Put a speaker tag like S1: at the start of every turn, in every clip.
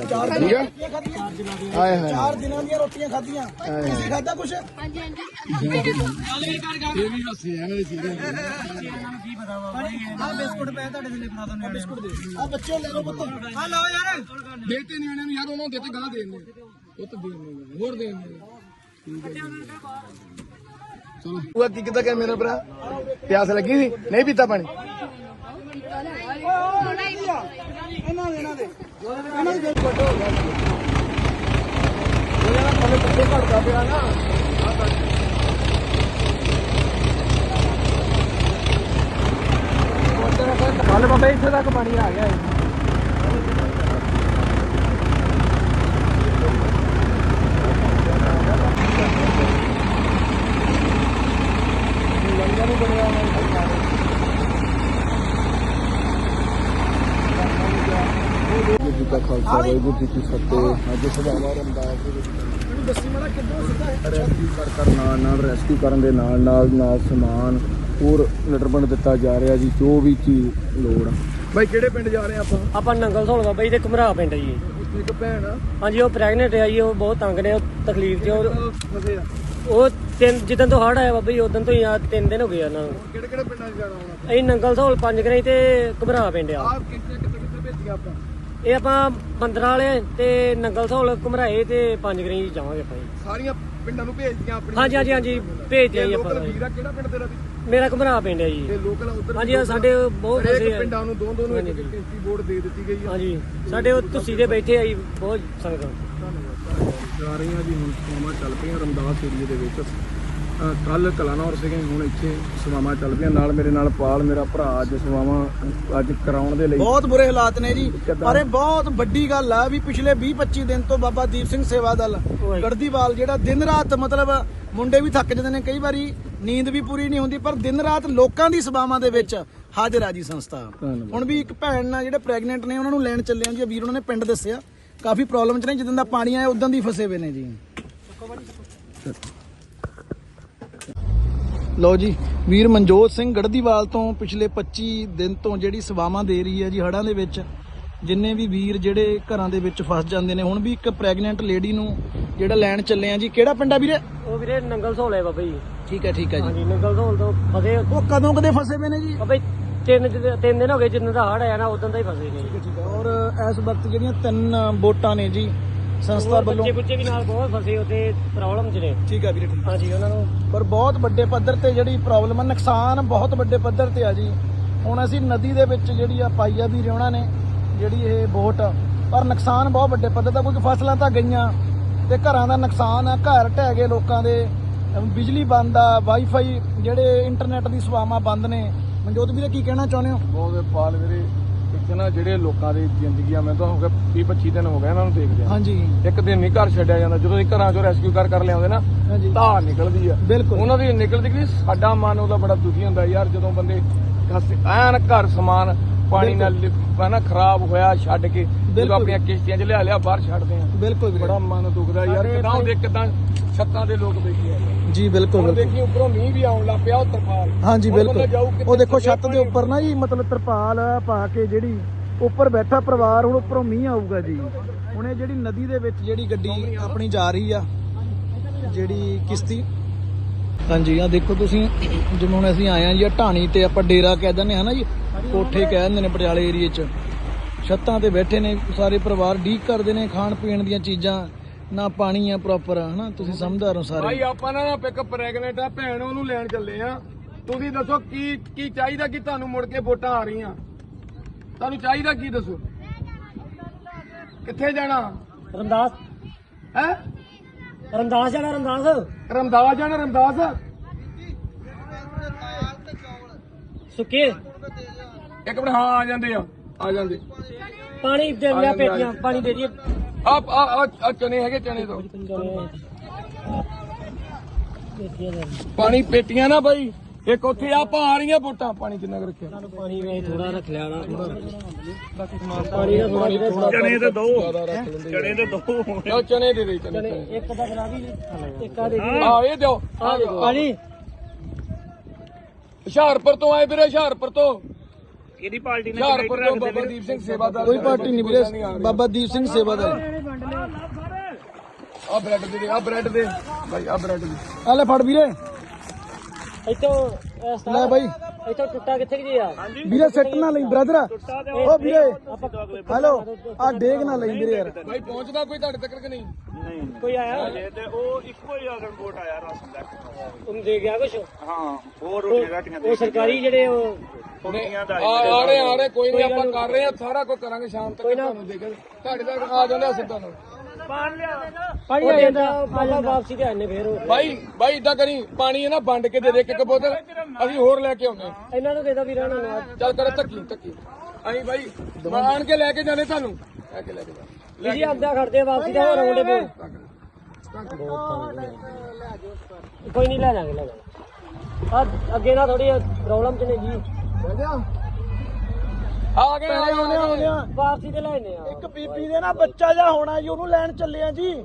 S1: ਠੀਕ ਆ ਹਾਏ ਹਾਏ
S2: 4 ਦਿਨਾਂ ਦੀਆਂ ਰੋਟੀਆਂ ਖਾਧੀਆਂ ਤੁਸੀਂ ਖਾਧਾ ਕੁਛ
S1: ਇਹ ਵੀ ਹੱਸੇ ਆ ਮੇਰੇ ਚੀਜ਼ਾਂ
S2: ਆ ਬਿਸਕੁਟ ਪਏ ਤੁਹਾਡੇ ਥੱਲੇ ਬਣਾ ਦੋ ਬਿਸਕੁਟ ਦੇ ਆ ਬੱਚੇ ਲੈ ਲਓ ਪੁੱਤ ਆ ਲਓ ਯਾਰ
S1: ਦੇਤੇ ਨਹੀਂ ਉਹਨੇ ਯਾਰ ਉਹਨਾਂ ਦਿੱਤੇ ਗਾਂ ਦੇਣੇ ਉਹ ਤਾਂ ਦੇਣੇ ਹੋਰ ਦੇਣੇ ਠੀਕ ਹੈ ਚਲੋ ਉਹ ਕੀ ਕਿੱਦਾਂ ਕਿ ਮੇਰਾ ਭਰਾ ਪਿਆਸ ਲੱਗੀ ਸੀ ਨਹੀਂ ਪੀਤਾ ਪਾਣੀ
S2: ਇਹਨਾਂ ਦੇ
S1: ਫੋਟੋ ਹੋ ਗਿਆ ਉਹ ਯਾਰ ਥੱਲੇ ਪੱਤੇ ਘੜਦਾ ਪਿਆ ਨਾ ਕੱਲ ਬਾਬਾ ਇੱਥੇ ਤੱਕ ਪਾਣੀ ਆ ਗਿਆ ਲੰਗਰ ਨਹੀਂ ਬਣਿਆ ਵਾਹਿਗੁਰੂ ਜੀ ਕਾ ਖਾਲਸਾ ਵਾਹਿਗੁਰੂ ਜੀ ਕੀ ਫਤਿਹ। ਅੱਜ ਸਭਾਵਾਂ ਰਮਦਾਸ ਦੇ ਵਿੱਚ
S2: ਦੱਸੀ ਮਾੜਾ ਕਿੱਦਾਂ ਸਿੱਧਾ
S1: ਰੈਸਕਿਊ ਨਾਲ ਰੈਸਕਿਊ ਕਰਨ ਦੇ ਨਾਲ ਸਮਾਨ ਹੋਰ ਨਿਰਬੰਧ ਦਿੱਤਾ ਜਾ ਰਿਹਾ ਜੀ ਜੋ ਵੀ ਚੀਜ਼ ਲੋੜ ਆ। ਬਾਈ ਕਿਹੜੇ ਪਿੰਡ ਜਾ ਰਹੇ ਆਪਾਂ
S3: ਨੰਗਲ ਧੌਲ ਬਾਬਾ ਜੀ ਤੇ ਘਮਰਾ ਪਿੰਡ ਜੀ।
S1: ਉੱਥੇ ਇੱਕ ਭੈਣ ਆ
S3: ਹਾਂਜੀ ਉਹ ਪ੍ਰੈਗਨੈਂਟ ਆ ਜੀ ਉਹ ਬਹੁਤ ਤੰਗ ਨੇ ਉਹ ਤਕਲੀਫ ਚ
S1: ਫਸੇ ਆ
S3: ਉਹ ਜਿੱਦਣ ਤੋਂ ਹੜ੍ਹ ਆਇਆ ਬਾਬਾ ਜੀ ਉਦੋਂ ਤੋਂ ਹੀ ਆ 3 ਦਿਨ ਹੋ ਗਏ ਉਹਨਾਂ ਨੂੰ।
S1: ਕਿਹੜੇ ਪਿੰਡਾਂ 'ਚ ਜਾਣਾ ਹੋਣਾ
S3: ਅਸੀਂ ਨੰਗਲ ਧੌਲ 5 ਗਰਾਈ ਤੇ ਘਮਰਾ ਪਿੰਡ ਆ।
S1: ਆਹ ਕਿੱਥੇ ਭੇਜੀਆਂ ਆਪਾਂ
S3: ਇਹ ਆਪਾਂ 15 ਵਾਲੇ ਤੇ ਨੰਗਲ ਧੌਲ ਘਮਰਾਏ ਤੇ 5 ਗਰਾਈ ਜਾਵਾਂਗੇ ਆਪਾਂ ਜੀ।
S1: ਸਾਰੀਆਂ ਪਿੰਡਾਂ ਨੂੰ ਭੇਜਦੀਆਂ ਆਪਣੀਆਂ
S3: ਹਾਂਜੀ ਭੇਜ ਦਿਆ ਜੀ ਆਪਾਂ
S1: ਲੋਕਲ ਵੀਰਾ ਕਿਹੜਾ ਪਿੰਡ ਤੇਰਾ ਵੀ
S3: ਮੇਰਾ ਘਮਰਾ ਪਿੰਡ ਹੈ ਜੀ।
S1: ਇਹ ਲੋਕਲ ਉਧਰ
S3: ਹਾਂਜੀ ਸਾਡੇ ਬਹੁਤ ਫਸੇ ਆ
S1: ਪਿੰਡਾਂ ਨੂੰ ਦੋ ਇੱਕ ਕਿਸ਼ਤੀ ਬੋਰਡ ਦੇ ਦਿੱਤੀ ਗਈ ਆ।
S3: ਹਾਂਜੀ ਸਾਡੇ ਉਹ ਤੁਸੀਂ ਦੇ ਬੈਠੇ ਆ ਜੀ ਬਹੁਤ ਸੰਗਤ
S1: ਜਾ ਰਹੀਆਂ ਜੀ ਹੁਣ ਸਵਾਵਾਂ ਚੱਲ ਪਈਆਂ ਰਮਦਾਸ ਏਰੀਏ ਦੇ ਵਿੱਚ। ਕੱਲ ਕਲਾਨੌਰ ਸੀਗੇ ਹੁਣ ਇੱਥੇ ਸਵਾਵਾਂ ਚੱਲ ਪਈਆਂ ਨਾਲ ਮੇਰੇ ਨਾਲ ਪਾਲ ਮੇਰਾ ਭਰਾ ਅੱਜ ਸਵਾਵਾਂ ਅੱਜ ਕਰਾਉਣ ਦੇ ਲਈ
S2: ਬਹੁਤ ਬੁਰੇ ਹਾਲਾਤ ਨੇ ਜੀ ਪਰ ਇਹ ਬਹੁਤ ਵੱਡੀ ਗੱਲ ਆ ਵੀ ਪਿਛਲੇ 20-25 ਦਿਨ ਤੋਂ ਬਾਬਾ ਦੀਪ ਸਿੰਘ ਸੇਵਾ ਦਲ ਗੜਦੀਵਾਲ ਜਿਹੜਾ ਦਿਨ ਰਾਤ ਮਤਲਬ ਮੁੰਡੇ ਵੀ ਥੱਕ ਜਾਂਦੇ ਨੇ ਕਈ ਵਾਰੀ ਨੀਂਦ ਵੀ ਪੂਰੀ ਨਹੀਂ ਹੁੰਦੀ ਪਰ ਦਿਨ ਰਾਤ ਲੋਕਾਂ ਦੀ ਸੇਵਾਵਾਂ ਦੇ ਵਿੱਚ ਹਾਜ਼ਰ ਆ ਜੀ ਸੰਸਥਾ। ਹੁਣ ਵੀ ਇੱਕ ਭੈਣ ਨਾਲ ਜਿਹੜੇ ਪ੍ਰੈਗਨੈਂਟ ਨੇ ਉਹਨਾਂ ਨੂੰ ਲੈਣ ਚੱਲੇ ਆ ਜੀ ਵੀਰ ਉਹਨਾਂ ਨੇ ਪਿੰਡ ਦੱਸਿਆ ਕਾਫੀ ਪ੍ਰੋਬਲਮ ਚ ਨੇ ਜਿੱਦਾਂ ਦਾ ਪਾਣੀ ਆਇਆ ਉਦਾਂ ਦੀ ਫਸੇ ਹੋਏ ਨੇ ਜੀ। ਲਓ ਜੀ ਵੀਰ ਮਨਜੋਤ ਸਿੰਘ ਗੜਦੀਵਾਲ ਤੋਂ ਪਿਛਲੇ 25 ਦਿਨ ਤੋਂ ਜਿਹੜੀ ਸੇਵਾਵਾਂ ਦੇ ਰਹੀ ਹੈ ਜੀ ਹੜ੍ਹਾਂ ਦੇ ਵਿੱਚ ਜਿੰਨੇ ਵੀ ਵੀਰ ਜਿਹੜੇ ਘਰਾਂ ਦੇ ਵਿੱਚ ਫਸ ਜਾਂਦੇ ਨੇ ਹੁਣ ਵੀ ਇੱਕ ਪ੍ਰੈਗਨੈਂਟ ਲੇਡੀ ਨੂੰ ਜਿਹੜਾ ਲੈਣ ਚੱਲੇ ਆ ਜੀ। ਕਿਹੜਾ ਪਿੰਡ ਆ ਵੀਰੇ?
S3: ਉਹ ਵੀਰੇ ਨੰਗਲ ਧੌਲ ਹੈ ਬਾਬਾ ਜੀ।
S2: ਠੀਕ ਹੈ ਜੀ
S3: ਹਾਂਜੀ ਨੰਗਲ ਧੌਲ ਤੋਂ ਫਸੇ
S2: ਉਹ ਕਦੋਂ ਕਦੇ ਫਸੇ ਹੋਏ ਨੇ ਜੀ?
S3: ਬਾਬਾ ਜੀ 3 ਦਿਨ ਹੋ ਗਏ ਜਿੰਨਾਂ ਦਾ ਹੜ੍ਹ ਆਇਆ ਨਾ ਉਦੋਂ ਦਾ ਹੀ ਫਸੇ ਨੇ।
S2: ਠੀਕ ਹੈ ਔਰ ਇਸ ਵਕਤ ਜਿਹੜੀਆਂ 3 ਬੋਟਾਂ ਨੇ ਜੀ ਸੰਸਥਾ ਵੱਲੋਂ
S3: ਬੱਚੇ ਵੀ ਨਾਲ ਬਹੁਤ ਫਸੇ ਉੱਤੇ ਪ੍ਰੋਬਲਮ ਚ ਨੇ।
S2: ਠੀਕ ਹੈ ਵੀਰੇ ਠੀਕ।
S3: ਹਾਂਜੀ ਉਹਨਾਂ ਨੂੰ
S2: ਪਰ ਬਹੁਤ ਵੱਡੇ ਪੱਧਰ ਤੇ ਜਿਹੜੀ ਪ੍ਰੋਬਲਮ ਆ ਨੁਕਸਾਨ ਬਹੁਤ ਵੱਡੇ ਪੱਧਰ ਤੇ ਆ ਜੀ। ਹੁਣ ਅਸੀਂ ਨਦੀ ਦੇ ਵਿੱਚ ਜਿਹੜੀ ਆ ਪਾਈ ਆ ਵੀ ਉਹਨਾਂ ਨੇ ਜਿਹੜੀ ਇਹ ਬੋਟ ਪਰ ਨੁਕਸਾਨ ਬਹੁਤ ਵੱਡੇ ਪੱਧਰ ਦਾ ਕਿਉਂਕਿ ਫਸਲਾਂ ਤਾਂ ਗਈਆਂ ਤੇ ਘਰਾਂ ਦਾ ਨੁਕਸਾਨ ਆ ਘਰ ਢਹਿ ਗਏ ਲੋਕਾਂ ਦੇ ਬਿਜਲੀ ਬੰਦ ਆ ਵਾਈਫਾਈ ਜਿਹੜੇ ਇੰਟਰਨੈਟ ਦੀ ਸੇਵਾਵਾਂ ਬੰਦ ਨੇ। ਮਨਜੋਤ ਵੀਰੇ ਕੀ ਕਹਿਣਾ ਚਾਹੁੰਦੇ ਹੋ?
S1: ਬਹੁਤ ਪਾਲ ਵੀਰੇ ਇੱਥੇ ਨਾ ਜਿਹੜੇ ਲੋਕਾਂ ਦੀ ਜ਼ਿੰਦਗੀ ਆ ਮੈਂ ਤਾਂ ਹੋ ਗਿਆ 20-25 ਦਿਨ ਹੋ ਗਏ ਇਹਨਾਂ ਨੂੰ ਦੇਖਦੇ ਆ।
S2: ਹਾਂਜੀ
S1: ਇੱਕ ਦਿਨ ਨਹੀਂ ਘਰ ਛੱਡਿਆ ਜਾਂਦਾ ਜਦੋਂ ਇਹ ਘਰਾਂ ਚੋਂ ਰੈਸਕਿਊ ਕਰ ਲਿਆਉਂਦੇ ਨਾ
S2: ਹਾਂਜੀ
S1: ਧਾਰ ਨਿਕਲਦੀ ਆ
S2: ਬਿਲਕੁਲ
S1: ਉਹਨਾਂ ਦੀ ਨਿਕਲਦੀ ਕਿ ਸਾਡਾ ਮਨ ਉਹਦਾ ਬੜਾ ਦੁਖੀ ਹੁੰਦਾ ਯਾਰ ਜਦੋਂ ਬੰਦੇ ਐਨ ਘਰ ਸਮਾਨ ਪਾਣੀ ਨਾਲ ਨਾ ਖਰਾਬ ਹੋਇਆ ਛੱਡ ਕੇ ਜਦੋਂ ਆਪਣੀਆਂ ਕਿਸ਼ਤੀਆਂ 'ਚ ਲਿਆ ਬਾਹਰ ਛੱਡਦੇ ਆ
S2: ਬਿਲਕੁਲ
S1: ਬੜਾ ਮਨ ਦੁਖਦਾ ਯਾਰ ਕਿਦਾਂ ਦੇਖ ਕਿਦਾਂ ਛੱਤਾਂ ਦੇ ਲੋਕ ਬੈਠੇ ਆ
S2: ਜੀ। ਬਿਲਕੁਲ
S1: ਦੇਖੀ ਉੱਪਰੋਂ ਮੀਂਹ ਵੀ ਆਉਣ ਲੱਗ ਪਿਆ ਉਹ ਤਰਪਾਲ
S2: ਹਾਂਜੀ ਬਿਲਕੁਲ ਉਹ ਦੇਖੋ ਛੱਤ ਦੇ ਉੱਪਰ ਨਾ ਜੀ ਮਤਲਬ ਤਰਪਾਲ ਪਾ ਕੇ ਜਿਹੜੀ ਉੱਪਰ ਬੈਠਾ ਪਰਿਵਾਰ ਹੁਣ ਉੱਪਰੋਂ ਮੀਂਹ ਆਊਗਾ ਜੀ। ਹੁਣ ਇਹ ਜਿਹੜੀ ਨਦੀ ਦੇ ਵਿੱਚ ਜਿਹੜੀ ਗੱਡੀ ਆਪਣੀ ਜਾ ਰਹੀ ਆ ਜਿਹੜੀ ਕਿਸ਼ਤੀ ਹਾਂਜੀ ਆ ਦੇਖੋ ਤੁਸੀਂ ਜਿਵੇਂ ਹੁਣ ਅਸੀਂ ਆਏ ਆ ਜੀ ਢਾਣੀ ਤੇ ਆਪਾਂ ਡੇਰਾ ਕਹਿ ਦਿੰਦੇ ਹਾਂ ਨਾ ਜੀ ਕੋਠੇ ਕਹਿ ਦਿੰਦੇ ਨੇ ਪਟਿਆਲੇ ਏਰੀਏ 'ਚ ਛੱਤਾਂ ਤੇ ਬੈਠੇ ਨੇ ਸਾਰੇ ਪਰਿਵਾਰ ਡੀਕ ਕਰਦੇ ਨੇ ਖਾਣ ਪੀਣ ਦੀਆਂ ਚੀਜ਼ਾਂ ਨਾ ਪਾਣੀ ਆ ਪ੍ਰੋਪਰ ਹਨਾ ਤੁਸੀਂ ਸਮਝਦਾਰ ਹੋ ਸਾਰੇ
S1: ਭਾਈ ਆਪਾਂ ਨਾ ਇੱਕ ਪ੍ਰੈਗਨੈਂਟ ਆ ਭੈਣ ਉਹਨੂੰ ਲੈਣ ਚੱਲੇ ਆ। ਤੁਸੀਂ ਦੱਸੋ ਕੀ ਚਾਹੀਦਾ ਕਿ ਤੁਹਾਨੂੰ ਮੁੜ ਕੇ ਵੋਟਾਂ ਆ ਰਹੀਆਂ ਤੁਹਾਨੂੰ ਚਾਹੀਦਾ ਕੀ ਦੱਸੋ ਕਿੱਥੇ ਜਾਣਾ?
S3: ਰਮਦਾਸ
S1: ਹੈ
S3: ਰਮਦਾਸ ਜਾਣਾ
S1: ਰਮਦਾਸ ਜਾਣਾ ਰਮਦਾਸ
S3: ਸੁੱਕੇ
S1: ਇੱਕ ਮਿੰਟ ਹਾਂ ਆ ਜਾਂਦੇ
S3: ਪਾਣੀ ਦੇ ਲਿਆ ਪੇਟੀਆਂ ਪਾਣੀ ਦੇ ਦਈਏ
S1: ਆ ਚਨੇ ਹੈਗੇ ਚਨੇ ਤੋਂ ਪਾਣੀ ਪੇਟੀਆਂ ਨਾ ਬਾਈ ਇੱਕ ਉੱਥੇ ਆਪਾਂ ਆ ਰਹੀਆਂ ਵੋਟਾਂ ਪਾਣੀ ਕਿੰਨਾ ਰੱਖਿਆ
S3: ਪਾਣੀ ਵੇ ਥੋੜਾ ਰੱਖ ਲਿਆ ਨਾ
S1: ਪਾਣੀ ਦਾ ਥੋੜਾ ਚਨੇ ਤੇ ਦੋ ਚਨੇ ਦੇ ਦੇ ਚਨੇ
S3: ਇੱਕ ਦਾ ਕਰਾ ਦੀ ਇੱਕ ਆ ਦੇ
S1: ਇਹ ਦਿਓ
S3: ਪਾਣੀ
S1: ਹੁਸ਼ਿਆਰਪੁਰ ਤੋਂ ਆਏ ਵੀਰੇ ਹੁਸ਼ਿਆਰਪੁਰ ਤੋਂ ਕਿਹਦੀ ਪਾਰਟੀ ਨੇ ਹੁਸ਼ਿਆਰਪੁਰ ਤੋਂ ਬਾਬਾ ਦੀਪ ਸਿੰਘ ਸੇਵਾਦਾਰ।
S2: ਕੋਈ ਪਾਰਟੀ ਨਹੀਂ ਵੀਰੇ, ਬਾਬਾ ਦੀਪ ਸਿੰਘ ਸੇਵਾਦਾਰ।
S1: ਆ ਬ੍ਰੈਡ ਦੇ, ਆ ਬ੍ਰੈਡ ਦੇ ਭਾਈ, ਆ ਬ੍ਰੈਡ ਦੇ
S2: ਆ ਲੈ ਫੜ ਵੀਰੇ,
S3: ਇੱਥੋਂ
S2: ਲੈ ਬਾਈ
S3: ਇੱਥੋਂ ਟੁੱਟਾ ਕਿੱਥੇ ਜੀ ਆ?
S2: ਵੀਰੇ ਸੱਟ ਨਾ ਲਈ ਬ੍ਰਦਰ। ਓ ਵੀਰੇ ਹੈਲੋ, ਆ ਡੇਗ ਨਾ ਲਈ ਵੀਰੇ ਯਾਰ।
S1: ਭਾਈ ਪਹੁੰਚਦਾ ਕੋਈ ਤੁਹਾਡੇ ਤੱਕ ਕਿ ਨਹੀਂ?
S3: ਕੋਈ ਆਇਆ?
S1: ਤੇ ਉਹ ਇੱਕੋ ਹੀ ਆਗਣ ਵੋਟ ਆਇਆ ਰਾਸ਼ਨ ਦਾ।
S3: ਉਹਨੂੰ ਦੇ ਗਿਆ ਕੁਛ?
S1: ਹਾਂ, ਹੋਰ ਰੋਟੀਆਂ ਰਾਟੀਆਂ
S3: ਉਹ ਸਰਕਾਰੀ ਜਿਹੜੇ ਉਹ
S1: ਆ ਰਹੇ ਕੋਈ ਨਹੀਂ, ਆਪਾਂ ਕਰ ਰਹੇ ਆ, ਸਾਰਾ ਕੁਝ ਕਰਾਂਗੇ ਸ਼ਾਮ ਤੱਕ ਤੁਹਾਨੂੰ ਦੇ ਕੇ ਤੁਹਾਡੇ ਤੱਕ ਆ ਜਾਂਦੇ ਸਿੱਧਾ ਨੂੰ।
S3: ਪਾਣੀ ਆ ਜਾਂਦਾ ਬਾਬਾ, ਵਾਪਸੀ ਤੇ ਆਨੇ ਫੇਰ ਉਹ।
S1: ਭਾਈ ਇਦਾਂ ਕਰੀ, ਪਾਣੀ ਹੈ ਨਾ ਵੰਡ ਕੇ ਦੇ ਦੇ ਇੱਕ ਬੋਤਲ, ਅਸੀਂ ਹੋਰ ਲੈ ਕੇ ਆਉਂਦੇ।
S3: ਇਹਨਾਂ ਨੂੰ ਦੇਦਾ ਵੀਰਾਂ ਨੂੰ।
S1: ਚੱਲ ਕਰ ਧੱਕੀ ਅਸੀਂ ਭਾਈ ਆਣ ਕੇ ਲੈ ਕੇ ਜਾਣੇ ਤੁਹਾਨੂੰ, ਲੈ ਕੇ ਜਾ
S3: ਜੀ ਆਂਦਾ ਖੜਦੇ ਵਾਪਸੀ ਦਾ ਹੋਰ ਆਉਂਦੇ ਪਏ। ਕੋਈ ਨਹੀਂ ਲੈ ਜਾਾਂਗੇ ਆ ਅੱਗੇ ਨਾ ਥੋੜੀ ਪ੍ਰੋਬਲਮ ਚ ਨੇ ਜੀ।
S1: ਆ ਗਏ
S2: ਆਉਂਦੇ ਆ।
S3: ਵਾਪਸੀ ਤੇ ਲੈਣੇ ਆ।
S2: ਇੱਕ ਬੀਬੀ ਦੇ ਨਾ ਬੱਚਾ ਜਾ ਹੋਣਾ ਜੀ, ਉਹਨੂੰ ਲੈਣ ਚੱਲੇ ਆ ਜੀ।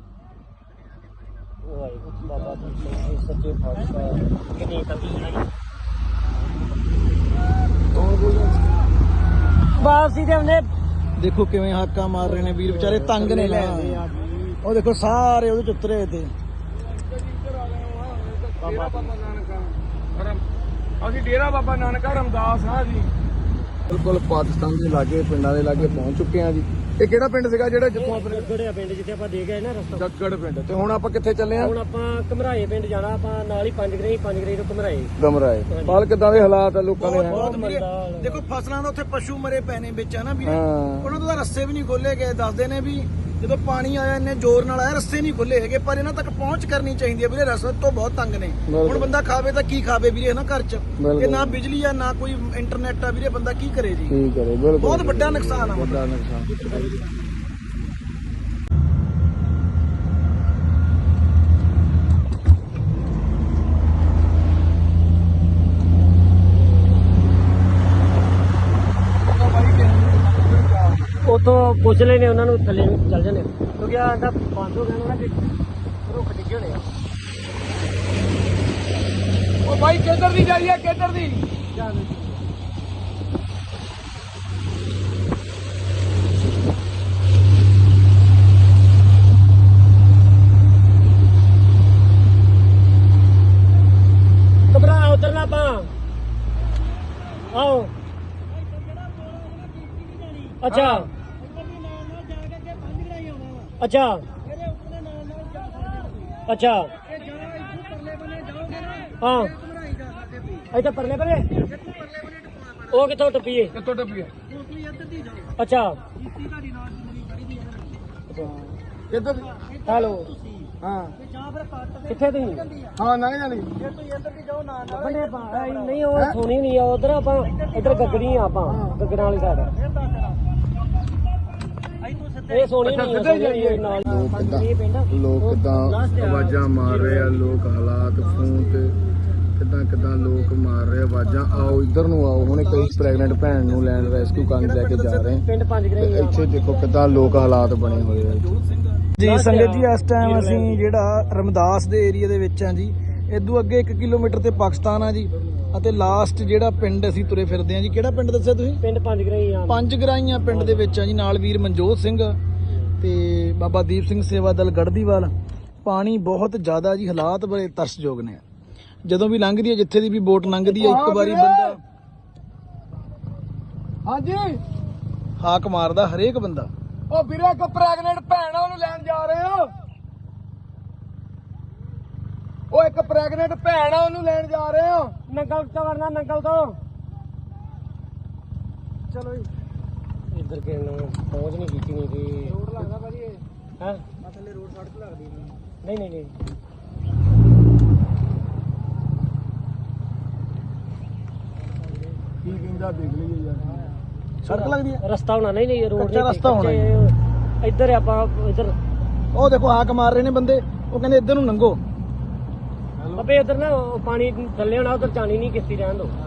S3: ਬਾਬਾ ਜੀ ਸੱਚੇ ਪਾਤਸ਼ਾਹ ਕਿੰਨੀ ਤੰਗੀ ਵਾਪਸੀ ਤੇ ਉਹਨੇ
S2: ਦੇਖੋ ਕਿਵੇਂ ਹਾਕਾ ਮਾਰ ਰਹੇ ਨੇ ਵੀਰ, ਵਿਚਾਰੇ ਤੰਗ ਨੇ ਲੈ। ਉਹ ਦੇਖੋ ਸਾਰੇ ਉਹਦੇ ਚ ਉਤਰੇ ਤੇ।
S1: ਅਸੀਂ ਡੇਰਾ ਬਾਬਾ ਨਾਨਕਾ ਰਮਦਾਸ ਹਾਂ ਜੀ, ਬਿਲਕੁਲ ਪਾਕਿਸਤਾਨ ਦੇ ਲਾਗੇ ਪਿੰਡਾਂ ਦੇ ਲਾਗੇ ਪਹੁੰਚ ਚੁੱਕੇ ਹਾਂ ਜੀ। ਇਹ ਕਿਹੜਾ ਪਿੰਡ ਸੀਗਾ ਜਿਹੜਾ ਜਿੱਥੋਂ ਆਪਣੇ
S3: ਗੜਿਆ ਪਿੰਡ ਜਿੱਥੇ ਆਪਾਂ ਦੇ ਗਏ ਨਾ ਰਸਤਾ?
S1: ਜੱਗੜ ਪਿੰਡ। ਤੇ ਹੁਣ ਆਪਾਂ ਕਿੱਥੇ ਚੱਲੇ ਆ?
S3: ਹੁਣ ਆਪਾਂ ਘਮਰਾਏ ਪਿੰਡ ਜਾਣਾ, ਆਪਾਂ ਨਾਲ ਹੀ ਪੰਜ ਗਰਈ ਤੋਂ ਘਮਰਾਏ।
S1: ਗਮਰਾਏ ਪਾਲ ਕਿੱਦਾਂ ਦੇ ਹਾਲਾਤ ਆ ਲੋਕਾਂ ਦੇ?
S2: ਬਹੁਤ ਵੀਰੇ ਦੇਖੋ ਫਸਲਾਂ ਦਾ ਉੱਥੇ ਪਸ਼ੂ ਮਰੇ ਪਏ ਨੇ ਵਿੱਚ, ਹਨਾ ਵੀਰੇ। ਉਹਨਾਂ ਤੋਂ ਤਾਂ ਰਸਤੇ ਵੀ ਨਹੀਂ ਖੋਲੇ ਗਏ। ਦੱਸਦੇ ਨੇ ਵੀ ਜਦੋਂ ਪਾਣੀ ਆਇਆ ਇੰਨੇ ਜ਼ੋਰ ਨਾਲ ਆਇਆ, ਰਸਤੇ ਨਹੀਂ ਖੋਲੇ ਹੈਗੇ, ਪਰ ਇਹਨਾਂ ਤੱਕ ਪਹੁੰਚ ਕਰਨੀ ਚਾਹੀਦੀ ਹੈ ਵੀਰੇ। ਰਸਤੇ ਤੋਂ ਬਹੁਤ ਤੰਗ ਨੇ। ਹੁਣ ਬੰਦਾ ਖਾਵੇ ਤਾਂ ਕੀ ਖਾਵੇ ਵੀਰੇ, ਹਨਾ ਘਰ 'ਚ ਤੇ ਨਾ ਬਿਜਲੀ ਆ ਨਾ ਕੋਈ ਇੰਟਰਨੈਟ ਆ ਵੀਰੇ, ਬੰਦਾ ਕੀ ਕਰੇ ਜੀ।
S1: ਕੀ ਕਰੇ, ਬਿਲਕੁਲ
S2: ਬਹੁਤ ਵੱਡਾ ਨੁਕਸਾਨ ਆ।
S1: ਵੱਡਾ ਨੁਕਸਾਨ।
S3: ਉਤੋਂ ਪੁੱਛ ਲੈਨੇ ਉਹਨਾਂ ਨੂੰ, ਥੱਲੇ ਨੂੰ ਚੱਲ ਜਾਂਦੇ ਕਿਉਂਕਿ ਆ ਤਾਂ ਬੰਦ ਹੋ ਗਿਆ ਨਾ ਕਿ ਰੁੱਖ ਡਿੱਗੇ ਹੋਣੇ ਆ।
S1: ਉਹ ਭਾਈ ਕਿੱਧਰ ਦੀ ਜਾਈਏ, ਕਿੱਧਰ ਦੀ?
S3: ਘਬਰਾ ਉਤਰਨਾ ਆਪਾਂ ਆਓ। ਅੱਛਾ ਅੱਛਾ ਅੱਛਾ ਹਾਂ ਇੱਥੇ ਪਰਲੇ ਪਰੇ ਉਹ ਕਿੱਥੋਂ ਟੱਪੀਏ?
S1: ਕਿੱਥੋਂ ਟੱਪੀਏ?
S3: ਅੱਛਾ
S1: ਕਿੱਧਰ?
S3: ਹੈਲੋ
S1: ਹਾਂ
S3: ਕਿੱਥੇ ਤੁਸੀਂ?
S1: ਹਾਂ ਲੰਘ ਜਾਣੀ।
S3: ਬੰਦੇ ਨਹੀਂ ਉਹ ਸੋਣੀ ਨਹੀਂ ਆ ਉਧਰ, ਆਪਾਂ ਇੱਧਰ ਗੱਗੜੀ ਆ, ਆਪਾਂ ਗੱਗੜਾਂ ਵਾਲੀ ਸਾਈਡ। ਇਹ ਸੋਣੀ ਨਹੀਂ ਆ ਨਾਲ ਇਹ ਪਿੰਡ।
S1: ਲੋਕ ਕਿੱਦਾਂ ਆਵਾਜ਼ਾਂ ਮਾਰ ਰਹੇ ਆ, ਲੋਕ ਹਾਲਾਤ ਫੋਨ ਤੇ ਕਿੱਦਾਂ ਲੋਕ ਮਾਰ ਰਹੇ ਆਵਾਜ਼ਾਂ। ਆਓ ਇੱਧਰ ਨੂੰ ਆਓ, ਹੁਣ ਕਈ ਪ੍ਰੈਗਨੈਂਟ ਭੈਣ ਨੂੰ ਲੈਣ ਰੈਸਕਿਊ ਕਰਨ ਲੈ ਕੇ ਜਾ ਰਹੇ।
S3: ਪਿੰਡ ਪੰਜ ਗਰਾਈ ਆ।
S1: ਇੱਥੇ ਦੇਖੋ ਕਿੱਦਾਂ ਲੋਕ ਹਾਲਾਤ ਬਣੇ ਹੋਏ ਆ
S2: ਜੀ ਸੰਗਤ ਜੀ, ਇਸ ਟਾਈਮ ਅਸੀਂ ਜਿਹੜਾ ਰਮਦਾਸ ਦੇ ਏਰੀਆ ਦੇ ਵਿੱਚ ਆ ਜੀ। ਇਦੋਂ ਅੱਗੇ 1 ਕਿਲੋਮੀਟਰ ਤੇ ਪਾਕਿਸਤਾਨ ਆ ਜੀ, ਅਤੇ ਲਾਸਟ ਜਿਹੜਾ ਪਿੰਡ ਅਸੀਂ ਤੁਰੇ ਫਿਰਦੇ ਆ ਜੀ। ਕਿਹੜਾ ਪਿੰਡ ਦੱਸਿਆ ਤੁਸੀਂ?
S3: ਪਿੰਡ ਪੰਜ ਗਰਾਈ ਆ।
S2: ਪੰਜ ਗਰਾਈਆਂ ਪਿੰਡ ਦੇ ਵਿੱਚ ਆ ਜੀ। ਨਾਲ ਵੀਰ ਮਨਜੋਤ ਸਿੰਘ ਤੇ ਬਾਬਾ ਦੀਪ ਸਿੰਘ ਸੇਵਾ ਦਲ ਗੜਦੀਵਾਲ। ਪਾਣੀ ਬਹੁਤ ਜ਼ਿਆਦਾ ਜੀ, ਹਾਲਾਤ ਬੜੇ ਤਰਸਯੋਗ ਨੇ। ਜਦੋਂ ਵੀ ਲੰਘਦੀ ਹੈ, ਜਿੱਥੇ ਦੀ ਵੀ ਬੋਟ ਲੰਘਦੀ ਹੈ, ਇੱਕ ਵਾਰੀ ਬੰਦਾ
S1: ਹਾਂਜੀ
S2: ਹਾਕ ਮਾਰਦਾ, ਹਰੇਕ ਬੰਦਾ।
S1: ਉਹ ਵੀਰੇ ਇੱਕ ਪ੍ਰੈਗਨੈਂਟ ਭੈਣ ਆ, ਉਹਨੂੰ ਲੈਣ ਜਾ ਰਹੇ ਆ। ਉਹ ਇੱਕ ਪ੍ਰੈਗਨੈਂਟ ਭੈਣ ਆ, ਉਹਨੂੰ ਲੈਣ ਜਾ ਰਹੇ ਆ।
S3: ਨੰਗਲ ਤੋਂ ਵਰਨਾ, ਨੰਗਲ ਤੋਂ ਚਲੋ ਜੀ। ਇੱਧਰ ਕੇ ਪਹੁੰਚ ਨਹੀਂ ਕੀਤੀ ਨਹੀਂ ਤੇ ਰੋਡ ਲੱਗਦਾ ਭਾਜੀ ਇਹ ਹੈ ਥੱਲੇ ਰੋਡ ਸੜਕ ਲੱਗਦੀ ਨਹੀਂ।
S1: ਕੀ ਕਹਿੰਦਾ ਦੇਖ ਲਈਏ ਯਾਰ।
S2: ਸੜਕ ਲੱਗਦੀ ਹੈ,
S3: ਰਸਤਾ ਹੋਣਾ ਨਹੀਂ ਰੋਡ
S2: ਕੱਚਾ ਰਸਤਾ ਹੋਣਾ
S3: ਇੱਧਰ ਆਪਾਂ ਇੱਧਰ।
S2: ਉਹ ਦੇਖੋ ਹਾਕ ਮਾਰ ਰਹੇ ਨੇ ਬੰਦੇ, ਉਹ ਕਹਿੰਦੇ ਇੱਧਰ ਨੂੰ ਲੰਘੋ।
S3: ਅੱਬੇ ਇੱਧਰ ਨਾ ਪਾਣੀ ਥੱਲੇ ਹੋਣਾ, ਉੱਧਰ ਜਾਣੀ ਨਹੀਂ ਕਿਸ਼ਤੀ ਰਹਿਣ ਦੋ।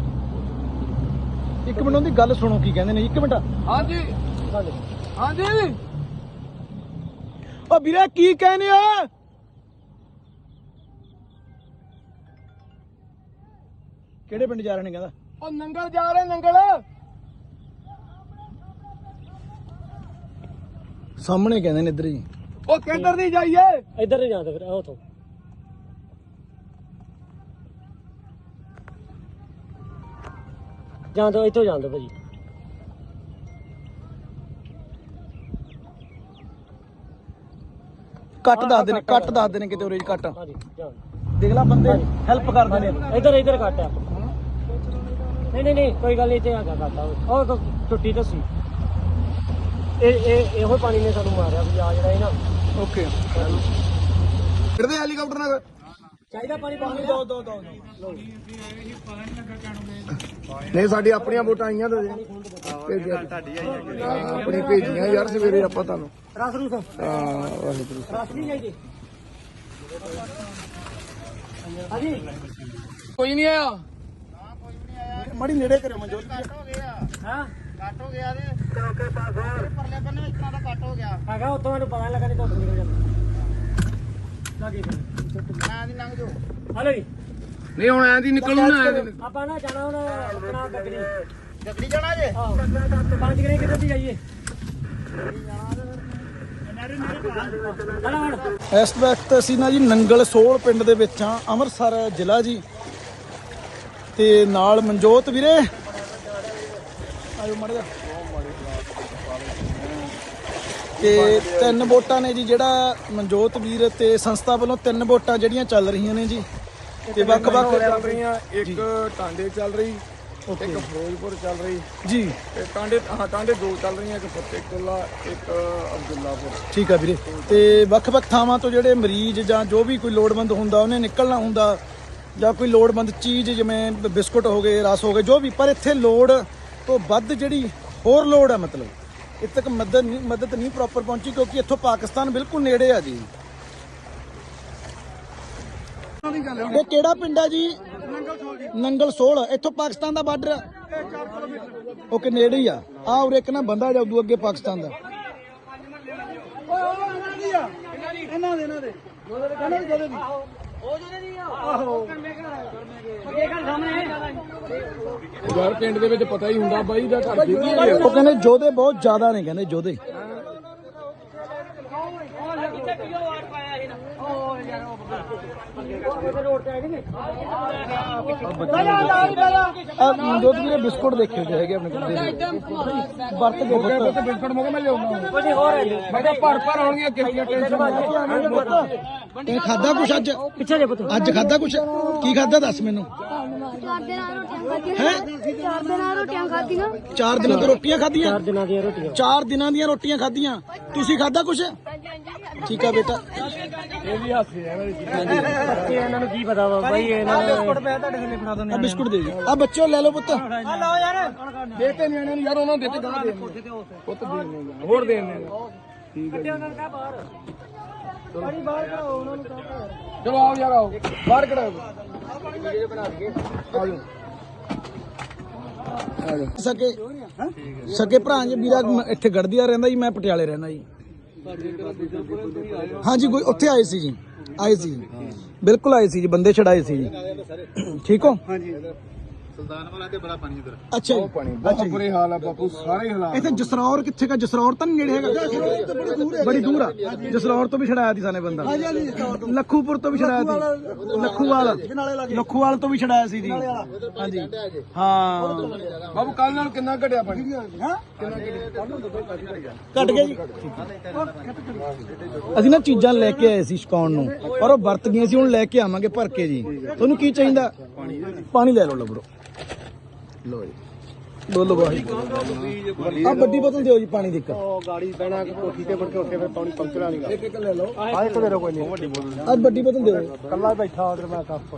S2: ਇੱਕ ਮਿੰਟ ਉਹਦੀ ਗੱਲ ਸੁਣੋ ਕੀ ਕਹਿੰਦੇ ਨੇ। ਇੱਕ ਮਿੰਟ।
S1: ਹਾਂਜੀ ਹਾਂਜੀ
S2: ਉਹ ਵੀਰੇ ਕੀ ਕਹਿੰਦੇ ਆ? ਕਿਹੜੇ ਪਿੰਡ ਜਾ ਰਹੇ ਨੇ ਕਹਿੰਦਾ?
S1: ਉਹ ਨੰਗਲ ਜਾ ਰਹੇ ਨੰਗਲ
S2: ਸਾਹਮਣੇ ਕਹਿੰਦੇ ਨੇ ਇੱਧਰ ਜੀ।
S1: ਉਹ ਕਿੱਧਰ ਦੀ ਜਾਈਏ?
S3: ਇੱਧਰ ਨਹੀਂ ਜਾਂਦਾ ਫਿਰ ਉਥੋਂ ਜਾਂਦਾ ਇੱਥੋਂ ਜਾਂਦਾ ਭਾਜੀ।
S2: ਕੱਟ ਦੱਸਦੇ ਨੇ, ਕੱਟ ਦੱਸਦੇ ਨੇ ਕਿਤੇ ਉਰੇ ਜੀ ਕੱਟ।
S3: ਹਾਂਜੀ ਜਾਣ
S2: ਦੇਖ ਲੈ ਬੰਦੇ ਹੈਲਪ ਕਰਦੇ ਨੇ।
S3: ਇੱਧਰ ਕੱਟ ਆ। ਨਹੀਂ ਕੋਈ ਗੱਲ ਨਹੀਂ, ਇੱਥੇ ਆ ਕੱਟ ਆ। ਉਹ ਟੁੱਟੀ ਦੱਸੀ ਇਹੋ ਪਾਣੀ ਨੇ ਸਾਨੂੰ ਮਾਰਿਆ ਵੀ ਆ ਜਿਹੜਾ ਇਹ ਨਾ।
S2: ਓਕੇ
S1: ਕਿਹਦੇ ਹੈਲੀਕਾਪਟਰ ਨਾਲ
S3: ਚਾਹੀਦਾ ਪਾਣੀ ਪਾਣੀ
S2: ਦੋ
S1: ਨਹੀਂ ਸਾਡੀ ਆਪਣੀਆਂ ਵੋਟਾਂ ਆਈਆਂ ਤਾਂ ਆਪਣੀ ਭੇਜੀਆਂ ਯਾਰ ਸਵੇਰੇ ਆਪਾਂ ਤੁਹਾਨੂੰ
S3: ਰਸ ਰੂਸ
S1: ਵਾਹਿਗੁਰੂ
S3: ਰਸ ਨਹੀਂ ਚਾਹੀਦੇ। ਹਾਂਜੀ
S1: ਕੋਈ ਨਹੀਂ ਆਇਆ
S2: ਮੜੀ ਨੇੜੇ ਕਰਿਓ ਮਨਜੋਤ।
S3: ਹਾਂ
S4: ਕੱਟ ਹੋ ਗਿਆ ਤੇ ਚੌਕੇ ਪਾਸੇ ਪਰਲੇ ਬੰਨੇ ਇਸ ਤਰ੍ਹਾਂ ਦਾ ਕੱਟ ਹੋ ਗਿਆ।
S3: ਹੈਗਾ ਉੱਥੋਂ ਮੈਨੂੰ ਪਤਾ ਲੱਗਾ ਨਹੀਂ ਧੁੱਪ ਨਿਕਲ ਜਾਂਦਾ ਲੱਗੇ
S4: ਨਾ ਦੀ ਲੰਘ ਜੋ
S3: ਹਲੋ ਜੀ।
S1: ਨਹੀਂ ਹੁਣ ਐਂ ਦੀ ਨਿਕਲੂ ਨਾ
S3: ਆਪਾਂ ਨਾ ਜਾਣਾ ਹੁਣ ਆਪਣਾ ਗੱਡੀ
S4: ਜਗੜੀ ਜਾਣਾ ਜੇ
S3: ਆਹੋ 5 ਗਰੇ ਕਿੱਧਰ ਦੀ ਜਾਈਏ?
S2: ਇਸ ਵਕਤ ਅਸੀਂ ਨਾ ਜੀ ਨੰਗਲ ਸੋਲ ਪਿੰਡ ਦੇ ਵਿੱਚ ਆ, ਅੰਮ੍ਰਿਤਸਰ ਜ਼ਿਲ੍ਹਾ ਜੀ। ਤੇ ਨਾਲ ਮਨਜੋਤ ਵੀਰੇ ਆਇਓ ਮੜ ਜਾ। ਤੇ 3 ਵੋਟਾਂ ਨੇ ਜੀ, ਜਿਹੜਾ ਮਨਜੋਤ ਵੀਰ ਤੇ ਸੰਸਥਾ ਵੱਲੋਂ 3 ਵੋਟਾਂ ਜਿਹੜੀਆਂ ਚੱਲ ਰਹੀਆਂ ਨੇ ਜੀ। ਤੇ ਵੱਖ-ਵੱਖ
S1: ਚੱਲ ਰਹੀਆਂ, ਇੱਕ ਟਾਂਡੇ ਚੱਲ ਰਹੀ, ਇੱਕ ਫਿਰੋਜ਼ਪੁਰ ਚੱਲ ਰਹੀ
S2: ਜੀ।
S1: ਤੇ ਟਾਂਡੇ 2 ਚੱਲ ਰਹੀਆਂ, ਇੱਕ ਫਤਿਹਕੁੱਲਾ, ਇੱਕ ਅਬਦੁੱਲਾਪੁਰ।
S2: ਠੀਕ ਆ ਵੀਰੇ। ਤੇ ਵੱਖ-ਵੱਖ ਥਾਵਾਂ ਤੋਂ ਜਿਹੜੇ ਮਰੀਜ਼ ਜਾਂ ਜੋ ਵੀ ਕੋਈ ਲੋੜਵੰਦ ਹੁੰਦਾ ਉਹਨੇ ਨਿਕਲਣਾ ਹੁੰਦਾ, ਜਾਂ ਕੋਈ ਲੋੜਵੰਦ ਚੀਜ਼ ਜਿਵੇਂ ਬਿਸਕੁਟ ਹੋ ਗਏ, ਰਸ ਹੋ ਗਏ, ਜੋ ਵੀ। ਪਰ ਇੱਥੇ ਲੋੜ ਤੋਂ ਵੱਧ ਜਿਹੜੀ ਹੋਰ ਲੋੜ ਹੈ, ਮਤਲਬ ਇੱਥੇ ਤੱਕ ਮਦਦ ਨਹੀਂ ਪ੍ਰੋਪਰ ਪਹੁੰਚੀ, ਕਿਉਂਕਿ ਇੱਥੋਂ ਪਾਕਿਸਤਾਨ ਬਿਲਕੁਲ ਨੇੜੇ ਆ ਜੀ। ਇਹ ਕਿਹੜਾ ਪਿੰਡ ਹੈ ਜੀ? ਨੰਗਲ ਸੋਲ। ਇੱਥੋਂ ਪਾਕਿਸਤਾਨ ਦਾ ਬਾਰਡਰ ਓਕੇ, ਨੇੜੇ ਹੀ ਆ। ਉਰੇ ਇੱਕ ਨਾ ਬੰਦਾ ਜਾਊ ਅੱਗੇ ਪਾਕਿਸਤਾਨ ਦਾ।
S1: ਯਾਰ ਪਿੰਡ ਦੇ ਵਿੱਚ ਪਤਾ ਹੀ ਹੁੰਦਾ ਬਾਈ ਦਾ ਘਰ ਦੀ
S2: ਉਹ ਕਹਿੰਦੇ ਯੋਧੇ ਬਹੁਤ ਜ਼ਿਆਦਾ ਨੇ, ਕਹਿੰਦੇ ਯੋਧੇ। ਮਨਜੋਤ ਵੀਰੇ ਬਿਸਕੁਟ ਦੇਖੇ ਤੇ ਹੈਗੇ ਆਪਣੇ ਕੋਲ, ਵਰਤ ਕੇ ਪੁੱਤ।
S1: ਬਿਸਕੁਟ ਮੋਗੇ ਮੈਂ ਲਿਆਉਣਾ
S3: ਕੁਝ ਹੋਰ ਹੈ
S1: ਮੈਂ ਕਿਹਾ ਭਰ ਆਉਣਗੀਆਂ ਕਿੰਨੀਆਂ
S2: ਇਹ ਖਾਦਾ ਕੁਛ ਅੱਜ?
S3: ਪਿੱਛੇ ਜੇ ਪੁੱਤ
S2: ਅੱਜ ਖਾਦਾ ਕੁਛ? ਕੀ ਖਾਦਾ ਦੱਸ ਮੈਨੂੰ। 4 ਦਿਨਾਂ ਤੋਂ ਰੋਟੀਆਂ ਖਾਧੀਆਂ?
S3: 4 ਦਿਨਾਂ ਦੀਆਂ ਰੋਟੀਆਂ।
S2: 4 ਦਿਨਾਂ ਦੀਆਂ ਰੋਟੀਆਂ ਖਾਧੀਆਂ। ਤੁਸੀਂ ਖਾਦਾ ਕੁਛ? ਠੀਕ ਆ ਬੇਟਾ।
S1: ਇਹ ਵੀ ਹਾਸੇ ਆ
S3: ਬੱਚੇ ਇਹਨਾਂ ਨੂੰ ਕੀ ਪਤਾ ਵਾ ਬਾਈ, ਇਹਨਾਂ ਨੂੰ
S2: ਆ ਬਿਸਕੁਟ ਦੇ ਜੀ। ਆ ਬੱਚਿਓ ਲੈ ਲਓ ਪੁੱਤ।
S1: ਦੇਤੇ ਨਿਆਣਿਆਂ ਨੂੰ ਯਾਰ, ਉਹਨਾਂ ਨੂੰ ਦੇਤੇ ਗਾਹ ਦੇ ਪੁੱਤ ਦੇ ਹੋਰ ਦੇ ਠੀਕ ਹੈ ਚਲੋ ਆਓ ਯਾਰ, ਆਓ ਬਾਹਰ ਕਢਾਓ।
S2: ਸਕੇ ਭਰਾ ਜੀ। ਵੀਰਾ ਇੱਥੇ ਗੜਦੀਆ ਰਹਿੰਦਾ ਜੀ, ਮੈਂ ਪਟਿਆਲੇ ਰਹਿੰਦਾ ਜੀ। ਹਾਂਜੀ ਕੋਈ ਉੱਥੇ ਆਏ ਸੀ ਜੀ, ਆਏ ਸੀ ਬਿਲਕੁਲ ਆਏ ਸੀ ਜੀ, ਬੰਦੇ ਛੜਾਏ ਸੀ ਜੀ। ਠੀਕ ਹੋ? ਹਾਂਜੀ।
S4: ਸੁਲਤਾਨ ਵਾਲਾ ਤੇ ਬੜਾ ਪਾਣੀ ਉਧਰ।
S2: ਅੱਛਾ ਜੀ।
S1: ਪਾਣੀ ਬਹੁਤ ਬੁਰੇ ਹਾਲ ਆ ਬਾਪੂ, ਸਾਰੇ ਹਾਲਾਤ।
S2: ਇੱਥੇ ਜਸਰੌਰ ਕਿੱਥੇ ਕਾ? ਜਸਰੌਰ ਤਾਂ ਨੇੜੇ ਹੈਗਾ, ਬੜੀ ਦੂਰ ਆ। ਜਸਰੌਰ ਤੋਂ ਵੀ ਛੜਾਇਆ ਸੀ ਸਾਨੇ ਬੰਦਾ। ਲੱਖੂਪੁਰ ਤੋਂ ਵੀ ਛੜਾਇਆ ਸੀ, ਲੱਖੂਵਾਲ ਤੋਂ ਵੀ ਛੜਾਇਆ ਸੀ ਜੀ। ਹਾਂਜੀ ਹਾਂ
S1: ਬਾਪੂ ਕੱਲ ਨਾਲ ਕਿੰਨਾ ਘਟਿਆ ਪਾਣੀ?
S2: ਘਟ ਗਿਆ ਜੀ। ਅਸੀਂ ਨਾ ਚੀਜ਼ਾਂ ਲੈ ਕੇ ਆਏ ਸੀ ਛਕਾਉਣ ਨੂੰ, ਪਰ ਉਹ ਵਰਤ ਗਈਆਂ ਸੀ। ਹੁਣ ਲੈ ਕੇ ਆਵਾਂਗੇ ਭਰ ਕੇ ਜੀ। ਤੁਹਾਨੂੰ ਕੀ ਚਾਹੀਦਾ? ਪਾਣੀ ਲੈ ਲਓ ਲੱਭਰੋ। ਲੋ ਜੀ, ਬੋਲੋ ਬਾਈ। ਆ ਵੱਡੀ ਬੋਤਲ ਦਿਓ ਜੀ ਪਾਣੀ ਦੀ ਇੱਕ।
S1: ਗਾੜੀ ਬਹਿਣਾ ਕੋਠੀ ਤੇ ਮੁੜ ਕੇ ਉੱਥੇ ਫਿਰ ਪਾਣੀ ਪੰਚਰ ਵਾਲੀ ਇੱਕ ਲੈ ਲਓ।
S2: ਆ ਇੱਕ ਦੇ ਦਿਓ, ਕੋਈ ਨਹੀਂ। ਆ ਵੱਡੀ ਬੋਤਲ ਦਿਓ।
S1: ਕੱਲਾ ਬੈਠਾ ਉਧਰ ਮੈਂ ਕੱਪ।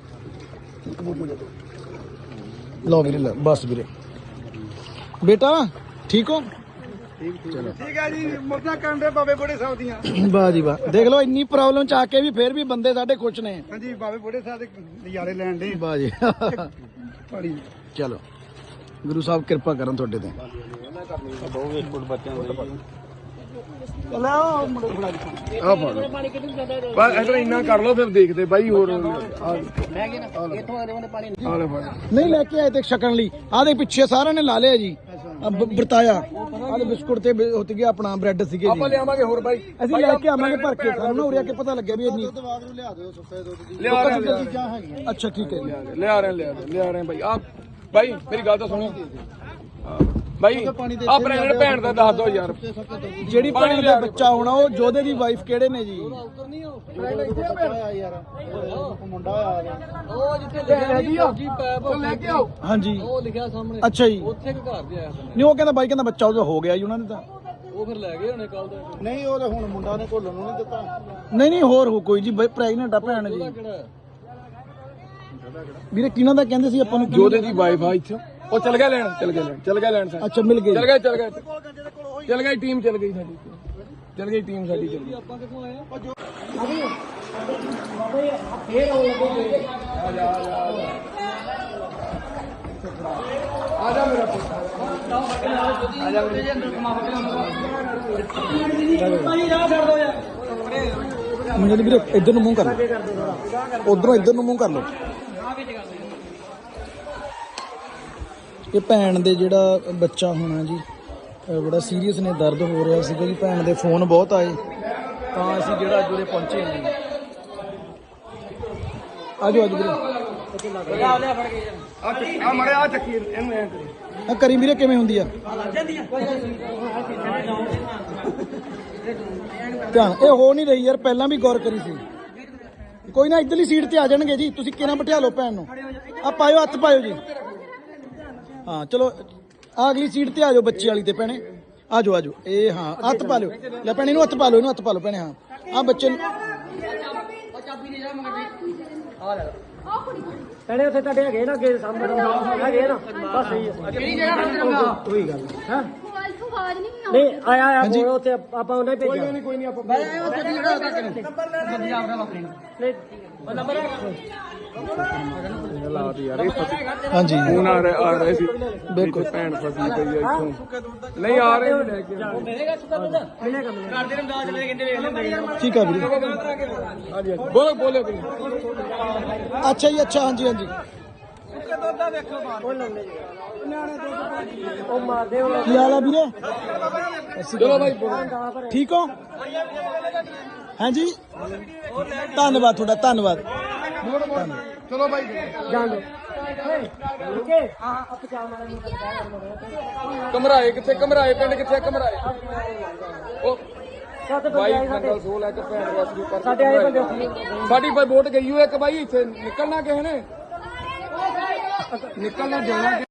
S2: ਲਓ ਵੀਰੇ, ਲੈ ਬਸ ਵੀਰੇ। ਬੇਟਾ ਠੀਕ ਹੋ?
S1: ਠੀਕ ਹੈ ਜੀ, ਮੁਰਦਾ ਕੰਡੇ ਬਾਬੇ ਬੁੜੇ ਸਾਹਿਬ ਦੀਆਂ।
S2: ਵਾਹ ਜੀ ਵਾਹ। ਦੇਖ ਲਓ ਇੰਨੀ ਪ੍ਰੋਬਲਮ ਚ ਆ ਕੇ ਵੀ ਫੇਰ ਵੀ ਬੰਦੇ ਸਾਡੇ ਖੁਸ਼ ਨੇ।
S1: ਹਾਂਜੀ ਬਾਬੇ ਬੁੜੇ ਸਾਹਿਬ ਦੇ ਨਜ਼ਾਰੇ ਲੈਣ ਦੇ।
S2: ਵਾਹ ਜੀ।
S1: ਪਾਣੀ
S2: ਚਲੋ ਗੁਰੂ ਸਾਹਿਬ ਕਿਰਪਾ ਕਰਨ ਤੁਹਾਡੇ ਤੇ। ਲੈ ਉਹ ਮੁੰਡੇ ਫੜਾ ਦੇ
S1: ਆ ਫੜ ਲਓ ਬਸ ਇਧਰ ਇੰਨਾ ਕਰ ਲਓ ਫਿਰ ਦੇਖਦੇ ਬਾਈ ਹੋਰ
S3: ਮੈਂ ਕਿ ਨਾ ਇੱਥੋਂ ਆਦੇ ਉਹਨੇ ਪਾਣੀ
S1: ਆ ਲੈ ਫੜ
S2: ਨਹੀਂ ਲੈ ਕੇ ਆਏ ਤੇ ਛਕਣ ਲਈ ਆਦੇ ਪਿੱਛੇ ਸਾਰਿਆਂ ਨੇ ਲਾ ਲਿਆ ਜੀ ਵਰਤਾਇਆ ਆਦੇ ਬਿਸਕੁਟ ਤੇ ਉੱਤ ਗਿਆ ਆਪਣਾ ਬ੍ਰੈਡ ਸੀਗੇ
S1: ਆਪਾਂ
S2: ਜੀ
S1: ਲਿਆਵਾਂਗੇ ਹੋਰ ਬਾਈ
S2: ਅਸੀਂ ਲੈ ਕੇ ਆਵਾਂਗੇ ਭਰ ਕੇ ਸਾਨੂੰ ਨਾ ਉਰੇ ਆ ਕੇ ਪਤਾ ਲੱਗਿਆ ਵੀ ਇੰਨੀ
S1: ਲਿਆ ਰਹੇ
S2: ਅੱਛਾ ਠੀਕ ਹੈ ਜੀ
S1: ਲਿਆ ਰਹੇ ਬਾਈ ਆ ਬਾਈ ਮੇਰੀ ਗੱਲ ਤਾਂ ਸੁਣੋ ਬਾਈ ਆ ਪ੍ਰੈਗਨੈਂਟ ਭੈਣ ਦਾ ਦੱਸ ਦਿਓ ਯਾਰ
S2: ਜਿਹੜੀ ਭੈਣ ਦਾ ਬੱਚਾ ਹੋਣਾ ਉਹ ਜੋਧੇ ਦੀ ਵਾਈਫ ਕਿਹੜੇ ਨੇ ਜੀ
S1: ਲੈ ਕੇ ਆਓ
S2: ਹਾਂਜੀ
S3: ਉਹ ਲਿਖਿਆ ਸਾਹਮਣੇ
S2: ਅੱਛਾ ਜੀ
S3: ਉੱਥੇ ਕਿ ਘਰ ਦੇ ਆਇਆ
S2: ਨਹੀਂ ਉਹ ਕਹਿੰਦਾ ਬਾਈ ਕਹਿੰਦਾ ਬੱਚਾ ਉਹਦਾ ਹੋ ਗਿਆ ਜੀ ਉਹਨਾਂ ਨੇ ਤਾਂ
S3: ਉਹ ਫਿਰ ਲੈ ਗਏ ਹੋਣੇ ਕੱਲ ਦਾ
S2: ਨਹੀਂ ਉਹ ਤਾਂ ਹੁਣ ਮੁੰਡਾ ਨੇ ਘੋਲਣ ਨੂੰ ਨਹੀਂ ਦਿੱਤਾ ਨਹੀਂ ਹੋਰ ਹੋ ਕੋਈ ਜੀ ਪ੍ਰੈਗਨੈਂਟ ਆ ਭੈਣ ਜੀ
S3: ਕਿਹੜਾ
S2: ਵੀਰੇ ਕਿਹਨਾਂ ਦਾ ਕਹਿੰਦੇ ਸੀ ਆਪਾਂ ਨੂੰ
S1: ਜੋਦੇ ਦੀ ਵਾਈਫ ਆ ਇੱਥੇ ਉਹ ਚਲ ਗਿਆ ਲੈਣ
S2: ਅੱਛਾ ਮਿਲ ਗਈ
S1: ਚਲ ਗਈ ਟੀਮ ਚਲ ਗਈ ਸਾਡੀ ਚਲ ਗਈ ਟੀਮ ਸਾਡੀ ਚਲ ਗਈ
S3: ਆਪਾਂ ਕਿੱਥੋਂ ਆਏ ਆ
S1: ਆ ਜਾ ਮੇਰਾ ਪੁੱਤ
S2: ਮੁੰਡੇ ਵੀਰੇ ਇੱਧਰ ਨੂੰ ਮੂੰਹ ਕਰ ਲਓ ਉਧਰੋਂ ਇੱਧਰ ਨੂੰ ਮੂੰਹ ਕਰ ਲਓ ਇਹ ਭੈਣ ਦੇ ਜਿਹੜਾ ਬੱਚਾ ਹੋਣਾ ਜੀ ਬੜਾ ਸੀਰੀਅਸ ਨੇ ਦਰਦ ਹੋ ਰਿਹਾ ਸੀਗਾ ਜੀ ਭੈਣ ਦੇ ਫੋਨ ਬਹੁਤ ਆਏ ਤਾਂ ਅਸੀਂ ਜਿਹੜਾ ਅੱਜ ਉਰੇ ਪਹੁੰਚੇ ਹਾਂ ਜੀ ਆਜੋ ਵੀਰੇ
S1: ਆ ਮੜੇ ਆ ਚੱਕੀ ਇਹਨੂੰ ਐ ਕਰੀ
S2: ਆ ਕਰੀ ਵੀਰੇ ਕਿਵੇਂ ਹੁੰਦੀ ਆ ਧਿਆਨ ਇਹ ਹੋ ਨਹੀਂ ਰਹੀ ਯਾਰ ਪਹਿਲਾਂ ਵੀ ਗੌਰ ਕਰੀ ਸੀ ਕੋਈ ਨਾ ਇੱਧਰਲੀ ਸੀਟ ਤੇ ਆ ਜਾਣਗੇ ਜੀ ਤੁਸੀਂ ਕਿਹਨਾਂ ਬਿਠਾ ਲਓ ਭੈਣ ਨੂੰ ਆ ਪਾਇਓ ਹੱਥ ਪਾਇਓ ਜੀ ਹਾਂ ਚਲੋ ਆ ਅਗਲੀ ਸੀਟ ਤੇ ਆ ਜਾਓ ਬੱਚੀ ਵਾਲੀ ਤੇ ਭੈਣੇ ਆਜੋ ਇਹ ਹਾਂ ਹੱਥ ਪਾ ਲਿਓ ਲੈ ਭੈਣੇ ਇਹਨੂੰ ਹੱਥ ਪਾ ਲਓ ਭੈਣੇ ਹਾਂ ਆ ਬੱਚੇ ਨੂੰ
S3: ਪਹਿਲੇ ਉੱਥੇ ਤੁਹਾਡੇ ਹੈਗੇ ਨਾ ਅੱਗੇ ਸਾਹਮਣੇ ਹੈਗੇ ਨਾ ਬਸ ਸਹੀ ਹੈ ਕਿਹੜੀ ਜਗ੍ਹਾ ਤੇ
S2: ਕੋਈ ਗੱਲ
S3: ਹਾਂ
S4: ਆਵਾਜ਼ ਨਹੀਂ
S3: ਨਹੀਂ ਆਇਆ ਬੋਲ ਉੱਥੇ ਆਪਾਂ ਉਹਨੇ ਭੇਜਿਆ
S1: ਕੋਈ ਨਹੀਂ ਆਪਾਂ ਲਾਤ ਯਾਰ ਇਹ
S2: ਹਾਂਜੀ
S1: ਫੋਨ ਆ ਰਹੇ ਸੀ ਬਿਲਕੁਲ ਭੈਣ ਫਸੀ ਪਈ ਆ ਇੱਥੋਂ ਨਹੀਂ ਆ ਰਹੇ ਲੈ ਕੇ
S2: ਠੀਕ ਆ ਵੀਰੇ
S1: ਹਾਂਜੀ ਬੋਲੋ
S2: ਅੱਛਾ ਜੀ ਅੱਛਾ ਹਾਂਜੀ
S3: ਉਹ ਮਾਰਦੇ ਉਹ
S2: ਕੀ ਹਾਲ ਆ ਵੀਰੇ
S1: ਚਲੋ ਬਾਈ
S2: ਠੀਕ ਹੋ ਹਾਂਜੀ ਧੰਨਵਾਦ ਤੁਹਾਡਾ ਧੰਨਵਾਦ
S1: ਚਲੋ ਬਾਈ
S3: ਜਾਣ ਦੋ
S1: ਕਮਰਾਏ ਕਿੱਥੇ ਕਮਰਾਏ ਪਿੰਡ ਕਿੱਥੇ ਕਮਰਾਏ ਉਹ ਬਾਈ ਮੰਗਲ ਸੋਲ ਹੈ ਕਿ ਭੈਣ ਵਾਸਤੇ ਕਰ
S3: ਸਾਡੇ ਆਏ ਬੰਦੇ
S1: ਸਾਡੀ ਬਾਈ ਵੋਟ ਗਈ ਹੋਈ ਇੱਕ ਬਾਈ ਇੱਥੇ ਨਿਕਲਣਾ ਕਿਸੇ ਨੇ ਨਿਕਲਣਾ ਦੇਣਾ